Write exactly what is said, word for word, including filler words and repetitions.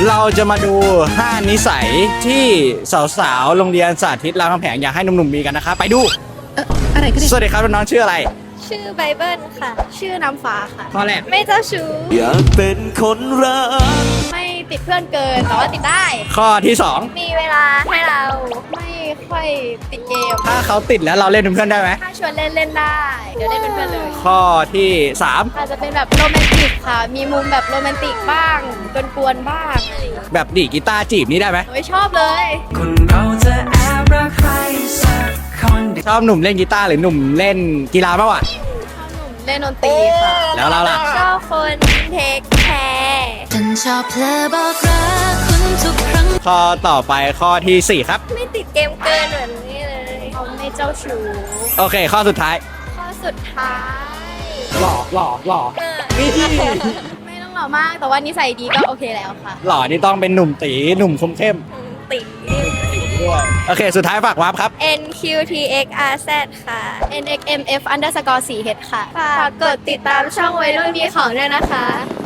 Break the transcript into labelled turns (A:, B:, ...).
A: เราจะมาดูห้านิสัยที่สาวๆโรงเรียนสาธิตรามคำแหงอยากให้หนุ่มๆมีกันนะคะไปดู
B: เอ่ออะไรก็ได้
A: สวัสดีครับน้องๆชื่ออะไร
C: ชื่อไบเบิลค่ะ ชื่อน้ำฟ้าค่ะ
A: ข้อแรก
C: ไม่เจ้าชู้
D: อยากเป็นคนรัก
C: ไม่ติดเพื่อนเกิน แต่ว่าติดได้
A: ข้อที่สอง
C: มีเวลาให้เรา ไม่ค่อยติดเกม
A: ถ้าเขาติดแล้วเราเล่นเป็นเพื่อนได้ไหม
C: ถ้าชวนเล่นเล่นได้ เดี๋ยวเล่นเป็นเพื่อนเลย
A: ข้อที่สาม
C: อาจจะเป็นแบบโรแมนติกค่ะ มีมุมแบบโรแมนติกบ้างกวนๆบ้างอะไรอย่างเงี้ย
A: แบบดีดกีตาร์จีบนี่ได้ไหม
C: โอ้ยชอบเลย
D: คนเราจะแอบรักใครสักคนเดียว
A: ชอบหนุ่มเล่นกีตาร์หรือหนุ่มเล่นกีฬามากกว่า
C: ชอบหนุ่มเล่นดนตรีค่ะ
A: แล้วเราล่ะ
C: ชอบคนเทคแคร์
B: ฉันชอบเพลอบอกรักคุณทุกครั้ง
A: ข้อต่อไปข้อที่สี่ครับ
C: ไม่ติดเกมเกินเหมือนนี่เลยเขาไม่เจ้าชู้
A: โอเค ข้อสุดท้าย
C: ข้อสุดท้าย
A: หล่อหล่อหล่อ
C: เออ
A: นี่
C: ไม่ต้องหล่อมาก แต่ว่านิสัยดีก็โอเคแล้วค่ะ
A: หล่อนี่ต้องเป็นหนุ่มตีหนุ่มคมเข้ม
C: ติ
A: ด้วยโอเค สุดท้ายฝากวาร์ปครับ
C: N Q T X R Z ค่ะ N X M F underscore สี่ H ค่ะ ฝากกดติดตามช่องวัยรุ่นมีของด้วยนะคะ